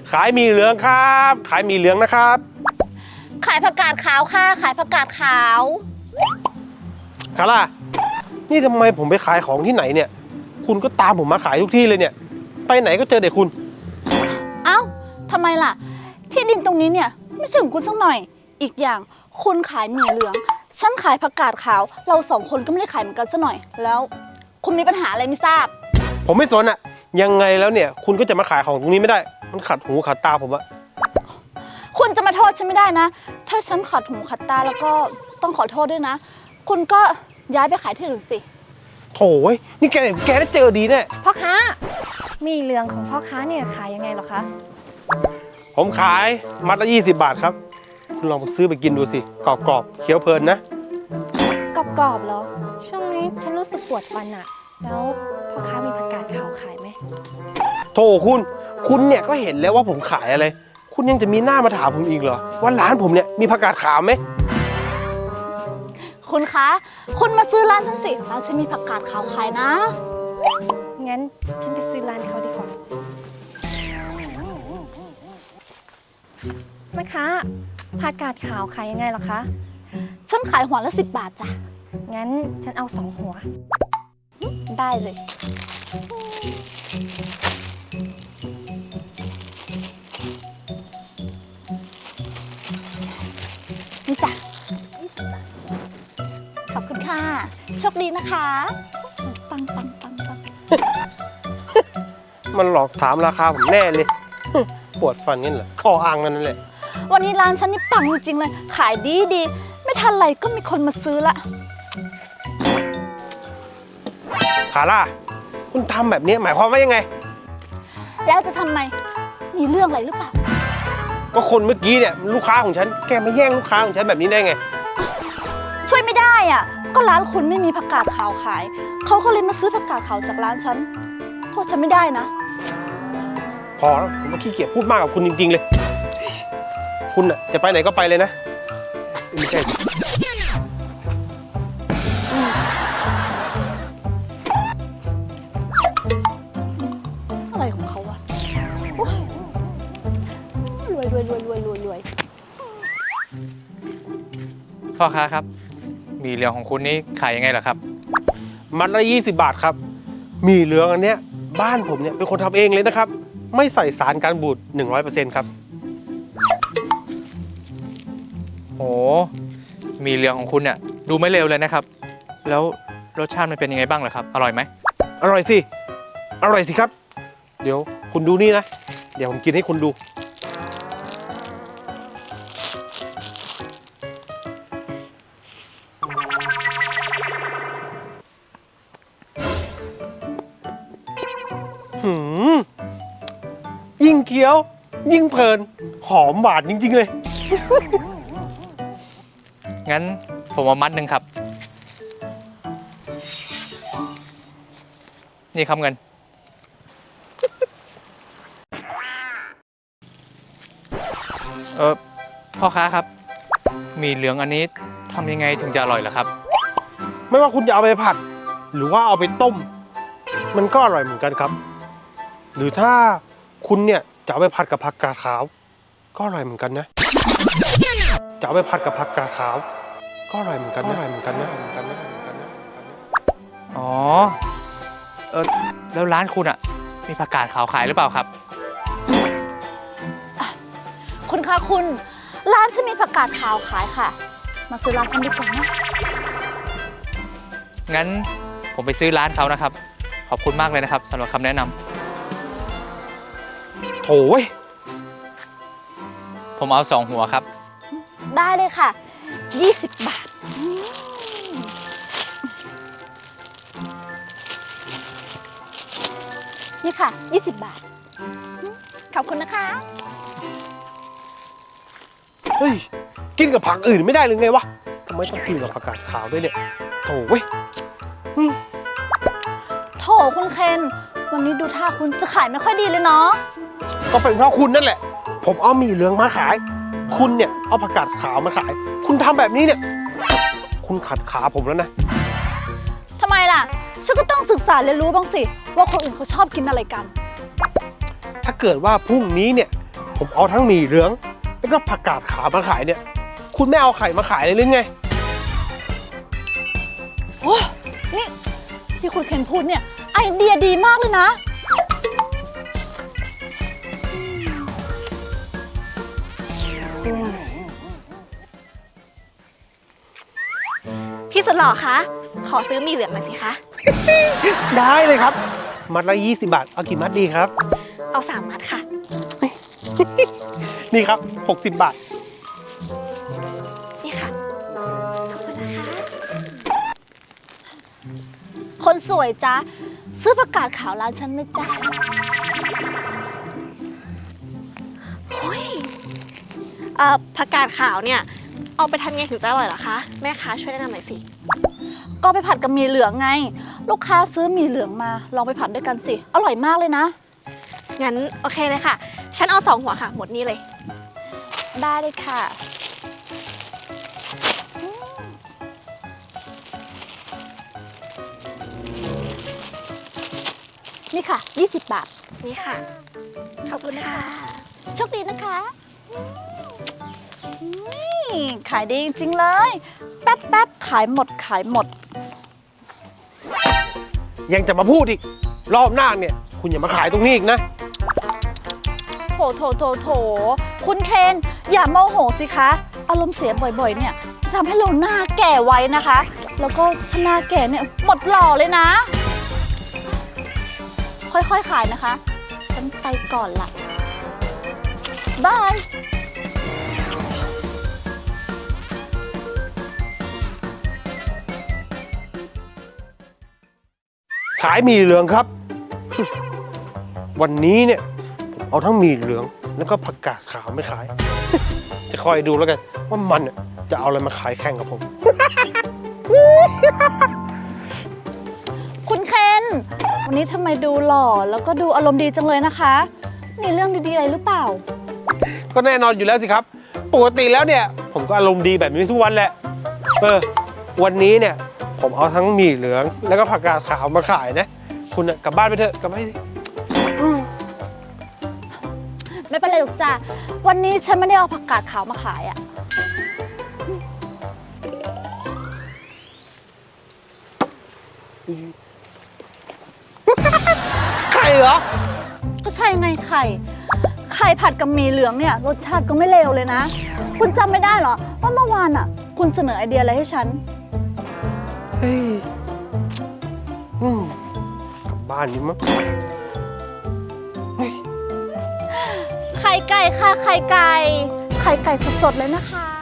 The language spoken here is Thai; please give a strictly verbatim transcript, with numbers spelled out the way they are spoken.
ขายหมี่เหลืองครับ ขายหมี่เหลืองนะครับขายผักกาดขาวค่ะ ขายผักกาดขาวคาร่านี่ทำไมผมไปขายของที่ไหนเนี่ย คุณก็ตามผมมาขายทุกที่เลยเนี่ย ไปไหนก็เจอเด็กคุณเอ้าทำไมล่ะ ที่ดินตรงนี้เนี่ยไม่ใช่ของคุณสักหน่อย อีกอย่างคุณขายหมี่เหลือง ฉันขายผักกาดขาว เราสองคนก็ไม่ได้ขายเหมือนกันสักหน่อย แล้วคุณมีปัญหาอะไรไม่ทราบผมไม่สนอะยังไงแล้วเนี่ย คุณก็จะมาขายของตรงนี้ไม่ได้ มันขัดหูขัดตาผมอะคุณจะมาโทษฉันไม่ได้นะ ถ้าฉันขัดหูขัดตาแล้วก็ต้องขอโทษด้วยนะ คุณก็ย้ายไปขายที่อื่นสิโถ่ยนี่แกแกได้เจอดีแน่พ่อค้ามีเหลืองของพ่อค้าเนี่ยขายยังไงเหรอคะผมขายมัดละยี่สิบบาทครับ คุณลองไปซื้อไปกินดูสิ กรอบๆเคี้ยวเพลินนะกรอบๆเหรอ ช่วงนี้ฉันรู้สึกปวดฟันอะแล้วพ่อค้ามีผักกาดขาวขายไหมโถคุณ คุณเนี่ยก็เห็นแล้วว่าผมขายอะไร คุณยังจะมีหน้ามาถามผมอีกเหรอ ว่าร้านผมเนี่ยมีผักกาดขาวไหมคุณคะ คุณมาซื้อร้านฉันสิ ร้านฉันมีผักกาดขาวขายนะงั้นฉันไปซื้อร้านเขาดีกว่าแม่ค้าผักกาดขาวขายยังไงเหรอคะฉันขายหัวละสิบบาทจ้ะงั้นฉันเอาสองหัวได้เลย นี่จ้ะขอบคุณค่ะ โชคดีนะคะ ปังปังปังปังมันหลอกถามราคาผมแน่เลย ปวดฟันงั้นเหรอข้ออ้างนั่นแหละวันนี้ร้านฉันนี่ปังจริงๆเลย ขายดีดี ไม่ทันไรก็มีคนมาซื้อละคาร่า คุณทำแบบนี้หมายความว่ายังไงแล้วจะทำไม มีเรื่องอะไรหรือเปล่าก็คนเมื่อกี้เนี่ยลูกค้าของฉัน แกมาแย่งลูกค้าของฉันแบบนี้ได้ไงช่วยไม่ได้อ่ะ ก็ร้านคุณไม่มีผักกาดขาวขาย เขาก็เลยมาซื้อผักกาดขาวจากร้านฉัน โทษฉันไม่ได้นะพอแล้วผมก็ขี้เกียจพูดมากกับคุณจริงๆเลย คุณน่ะจะไปไหนก็ไปเลยนะไม่ใช่อะไรของเขาวะโอ๊ยรวยรวยรวยรวยรวยรวยพ่อค้าครับหมี่เหลืองของคุณนี่ขายยังไงเหรอครับมัดละยี่สิบบาทครับหมี่เหลืองอันเนี้ยบ้านผมเนี่ยเป็นคนทำเองเลยนะครับ ไม่ใส่สารการบูด หนึ่งร้อยเปอร์เซ็นต์ ครับโอ้หมี่เหลืองของคุณเนี่ยดูไม่เลวเลยนะครับ แล้วรสชาติมันเป็นยังไงบ้างเหรอครับ อร่อยไหมอร่อยสิ อร่อยสิครับ เดี๋ยวคุณดูนี่นะ เดี๋ยวผมกินให้คุณดู หืม ยิ่งเคี้ยว ยิ่งเพลิน หอมหวานจริงๆเลยงั้นผมเอามัดหนึ่งครับ นี่ครับเงิน เออพ่อค้าครับหมี่เหลืองอันนี้ทำยังไงถึงจะอร่อยเหรอครับไม่ว่าคุณจะเอาไปผัด หรือว่าเอาไปต้ม มันก็อร่อยเหมือนกันครับ หรือถ้าคุณเนี่ยจะเอาไปผัดกับผักกาดขาว ก็อร่อยเหมือนกันนะจะเอาไปผัดกับผักกาดขาว ก็อร่อยเหมือนกันนะอร่อยเหมือนกันนะเหมือนกันนะเหมือนกันนะอ๋อ เออแล้วร้านคุณอะมีผักกาดขาวขายหรือเปล่าครับคุณคะคุณ ร้านฉันมีผักกาดขาวขายค่ะ มาซื้อร้านฉันดีกว่านะงั้นผมไปซื้อร้านเขานะครับ ขอบคุณมากเลยนะครับสำหรับคำแนะนำโถ่เว้ยผมเอาสองหัวครับได้เลยค่ะ ยี่สิบบาท นี่ค่ะ ยี่สิบบาท ขอบคุณนะคะเฮ้ย กินกับผักอื่นไม่ได้หรือไงวะทำไมต้องกินกับผักกาดขาวด้วยเนี่ยโถ่เว้ยโถคุณเคน วันนี้ดูท่าคุณจะขายไม่ค่อยดีเลยเนาะก็เป็นเพราะคุณนั่นแหละ ผมเอาหมี่เหลืองมาขาย คุณเนี่ยเอาผักกาดขาวมาขาย คุณทำแบบนี้เนี่ย คุณขัดขาผมแล้วนะทำไมล่ะ ฉันก็ต้องศึกษาเรียนรู้บ้างสิ ว่าคนอื่นเขาชอบกินอะไรกันถ้าเกิดว่าพรุ่งนี้เนี่ยผมเอาทั้งหมี่เหลือง แล้วก็ผักกาดขาวมาขายเนี่ย คุณไม่เอาไข่มาขายเลยหรือไงโอ้นี่ที่คุณเคนพูดเนี่ย ไอเดียดีมากเลยนะพี่สุดหล่อคะ ขอซื้อหมี่เหลืองหน่อยสิคะได้เลยครับ มัดละยี่สิบบาท เอากี่มัดดีครับเอาสามมัดค่ะนี่ครับหกสิบบาทนี่ค่ะ ขอบคุณนะคะคนสวยจ้าซื้อผักกาดขาวร้านฉันไหมจ้าโอ้ยเอ่อผักกาดขาวเนี่ย เอาไปทำไงถึงจะอร่อยเหรอคะ แม่ค้าช่วยแนะนำหน่อยสิก็ไปผัดกับหมี่เหลืองไง ลูกค้าซื้อหมี่เหลืองมา ลองไปผัดด้วยกันสิ อร่อยมากเลยนะงั้นโอเคเลยค่ะ ฉันเอาสองหัวค่ะ หมดนี้เลยได้เลยค่ะ นี่ค่ะ ยี่สิบบาทนี่ค่ะ ขอบคุณค่ะโชคดีนะคะนี่ขายดีจริงๆเลย แป๊บๆ ขายหมดขายหมดยังจะมาพูดอีก รอบหน้าเนี่ย คุณอย่ามาขายตรงนี้อีกนะโถโถโถโถคุณเคน อย่าโมโหสิคะ อารมณ์เสียบ่อยๆ เนี่ย จะทำให้เราหน้าแก่ไว้นะคะ แล้วก็ถ้าหน้าแก่เนี่ยหมดหล่อเลยนะ ค่อยๆ ขายนะคะ ฉันไปก่อนละบายขายหมี่เหลืองครับ วันนี้เนี่ยผมเอาทั้งหมี่เหลือง แล้วก็ผักกาดขาวไม่ขาย จะคอยดูแล้วกันว่ามันเนี่ยจะเอาอะไรมาขายแข่งกับผมคุณเคน วันนี้ทำไมดูหล่อแล้วก็ดูอารมณ์ดีจังเลยนะคะ มีเรื่องดีๆอะไรหรือเปล่าก็แน่นอนอยู่แล้วสิครับ ปกติแล้วเนี่ย ผมก็อารมณ์ดีแบบนี้ทุกวันแหละ เออ วันนี้เนี่ย ผมเอาทั้งหมี่เหลือง แล้วก็ผักกาดขาวมาขายนะ คุณน่ะกลับบ้านไปเถอะกลับไปสิไม่เป็นไรหรอกจ้ะ วันนี้ฉันไม่ได้เอาผักกาดขาวมาขายอะใครเหรอก็ใช่ไงไข่ ไข่ผัดกับหมี่เหลืองเนี่ยรสชาติก็ไม่เลวเลยนะ คุณจำไม่ได้เหรอว่าเมื่อวานอ่ะ คุณเสนอไอเดียอะไรให้ฉันเฮ้ยอืมกลับบ้านนี้มั้งเฮ้ยไข่ไก่ค่ะ ไข่ไก่ ไข่ไก่สดๆเลยนะคะ